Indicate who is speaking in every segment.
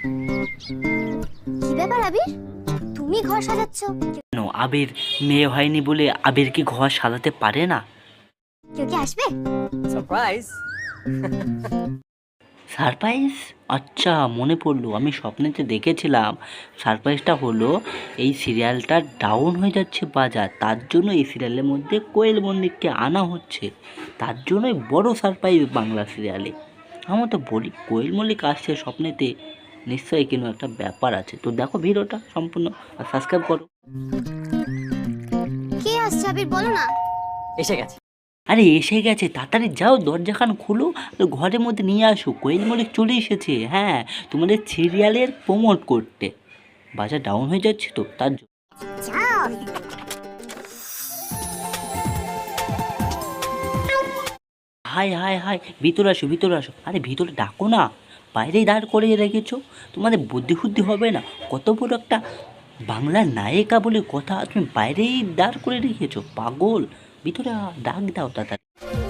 Speaker 1: কি ব্যাপার আবির, তুমি ঘর সাজাচ্ছ?
Speaker 2: কেন আবির মেয়ে হয়নি বলে আবির কি ঘর সাজাতে পারে না?
Speaker 1: কেউ কি আসবে?
Speaker 3: সারপ্রাইজ।
Speaker 2: সারপ্রাইজ? আচ্ছা মনে পড়লো, আমি স্বপ্নেতে দেখেছিলাম। সারপ্রাইজটা হলো এই সিরিয়ালটা ডাউন হয়ে যাচ্ছে বাজার, তার জন্য এই সিরিয়ালের মধ্যে কোয়েল মল্লিককে আনা হচ্ছে, তার জন্যই বড় সারপ্রাইজ বাংলা সিরিয়ালে। আমার তো বলি কোয়েল মল্লিক আসছে স্বপ্নেতে, নিশ্চয়ই কোনো একটা ব্যাপার আছে। তো দেখো ভিডিওটা সম্পূর্ণ আর সাবস্ক্রাইব করো।
Speaker 1: কে আসছে আবির, বলো না।
Speaker 3: এসে গেছে।
Speaker 2: আরে এসে গেছে, তাড়াতাড়ি যাও দরজাখান খুলো আর ঘরের মধ্যে নিয়ে আসো। কোয়েল মল্লিক চলে এসেছে, হ্যাঁ, তোমাদের সিরিয়ালের প্রমোট করতে। বাজার ডাউন হয়ে যাচ্ছে তো তার জন্য।
Speaker 1: যাও।
Speaker 2: হাই হাই হাই, ভিতরে আসো ভিতরে আসো। আরে ভিতরে ডাকো না, বাইরেই দাঁড় করে রেখেছো। তোমাদের বুদ্ধি ফুদ্ধি হবে না? কত বড় একটা বাংলার নায়িকা বলে কথা, তুমি বাইরেই দাঁড় করে রেখেছো, পাগল। ভিতরে ডাক দাও তাড়াতাড়ি।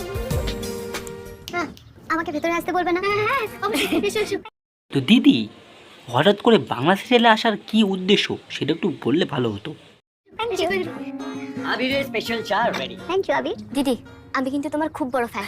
Speaker 1: আমাকে ভেতরে আসতে বলবে না? হ্যাঁ, এসো এসো।
Speaker 2: তো দিদি, হঠাৎ করে বাংলা সিরিয়ালে আসার কি উদ্দেশ্য সেটা একটু বললে ভালো হতো।
Speaker 1: Thank you.
Speaker 3: আবিরের স্পেশাল চা রেডি।
Speaker 1: Thank you Abir. দিদি, আমি কিন্তু তোমার খুব বড় ফ্যান।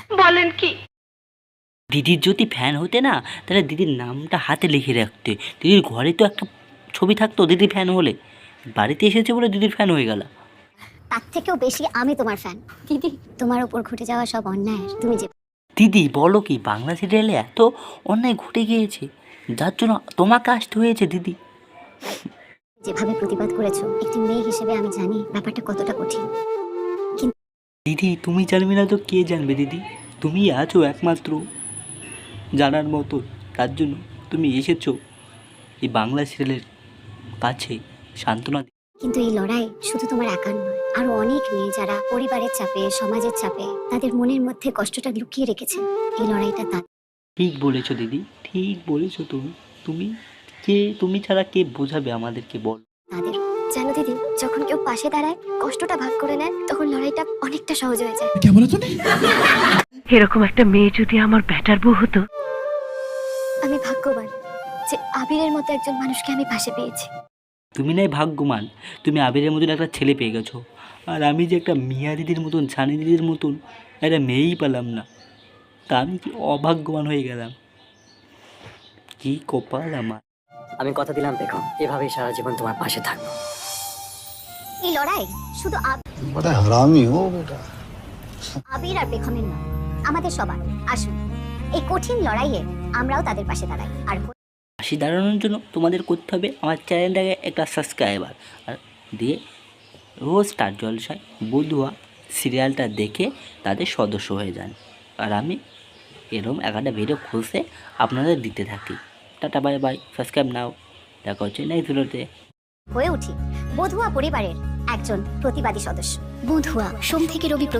Speaker 2: দিদির যদি ফ্যান হতে না, তাহলে দিদির নামটা হাতে লিখে রাখতে। দিদির ঘরে তো একটা ছবি থাকতো দিদির ফ্যান হলে। বাড়িতে এসেছে বলে দিদির ফ্যান হয়ে গেল।
Speaker 1: তার থেকেও বেশি আমি তোমার ফ্যান। দিদি, তোমার উপর ঘটে যাওয়া সব অন্যায় তুমি যে
Speaker 2: দিদি বলো কি, বাংলা সিরিয়ালে এত অন্যায় ঘটে গিয়েছে যার জন্য তোমাকে আসতে হয়েছে দিদি।
Speaker 1: যেভাবে প্রতিবাদ করেছো, একটি মেয়ে হিসেবে আমি জানি ব্যাপারটা কতটা কঠিন।
Speaker 2: দিদি তুমি জানবে না তো কে জানবে দিদি? তুমি আছো একমাত্র জানার মতো, তার জন্য তুমি এসেছো এই বাংলা সিরিয়ালের কাছে সান্ত্বনা দিতে।
Speaker 1: কিন্তু এই লড়াই শুধু তোমার একার নয়, আরো অনেক মেয়ে যারা পরিবারের চাপে, সমাজের চাপে তাদের মনের মধ্যে কষ্টটা লুকিয়ে রেখেছে। এই লড়াইটা তাদের।
Speaker 2: ঠিক বলেছো দিদি, ঠিক বলেছো তুমি। তুমি কে, তুমি ছাড়া কে বোঝাবে আমাদেরকে, বল।
Speaker 1: তাদের জানো দিদি, যখন কেউ পাশে দাঁড়ায়, কষ্টটা ভাগ করে নেয়, তখন লড়াইটা অনেকটা সহজ হয়ে যায়।
Speaker 4: এরকম একটা মেয়ে যদি আমার ব্যাটার বউ হতো।
Speaker 1: আমি ভাগ্যবান যে আবিরের মতো একজন মানুষকে আমি পাশে পেয়েছি।
Speaker 2: তুমি নাই ভাগ্যবান, তুমি আবিরের মতন একটা ছেলে পেয়ে গেছো। আর আমি যে একটা মিয়া দিদির মতন, ছানি দিদির মতন একটা মেয়েই পেলাম না, তা আমি কি অভাগ্যবান হয়ে গেলাম? কি কপাল আমার।
Speaker 3: আমি কথা দিলাম দেখো, এভাবেই সারা জীবন তোমার পাশে থাকবো।
Speaker 1: এই লড়াই শুধু
Speaker 5: बड़ा हरामी हो बेटा।
Speaker 1: আবির আর পেখমের নয়, আমাদের সবার। আসুন, এই কঠিন লড়াইয়ে আমরাও তাদের পাশে দাঁড়াই। আর
Speaker 2: হাসি দাঁড়ানোর জন্য তোমাদের করতে হবে আমার চ্যানেলটাকে একটা সাবস্ক্রাইবার আর দিয়ে রোজ স্টার জলসায় বধুয়া সিরিয়ালটা দেখে তাদের সদস্য হয়ে যান। আর আমি এরকম একটা ভিডিও খুঁজে আপনাদের দিতে থাকি। টাটা বাই বাই, সাবস্ক্রাইব নাও, দেখা হচ্ছে নেক্সট ভিডিওতে।
Speaker 1: হয়ে উঠি বধুয়া পরিবারের একজন প্রতিবাদী সদস্য। বধুয়া সোম থেকে রবি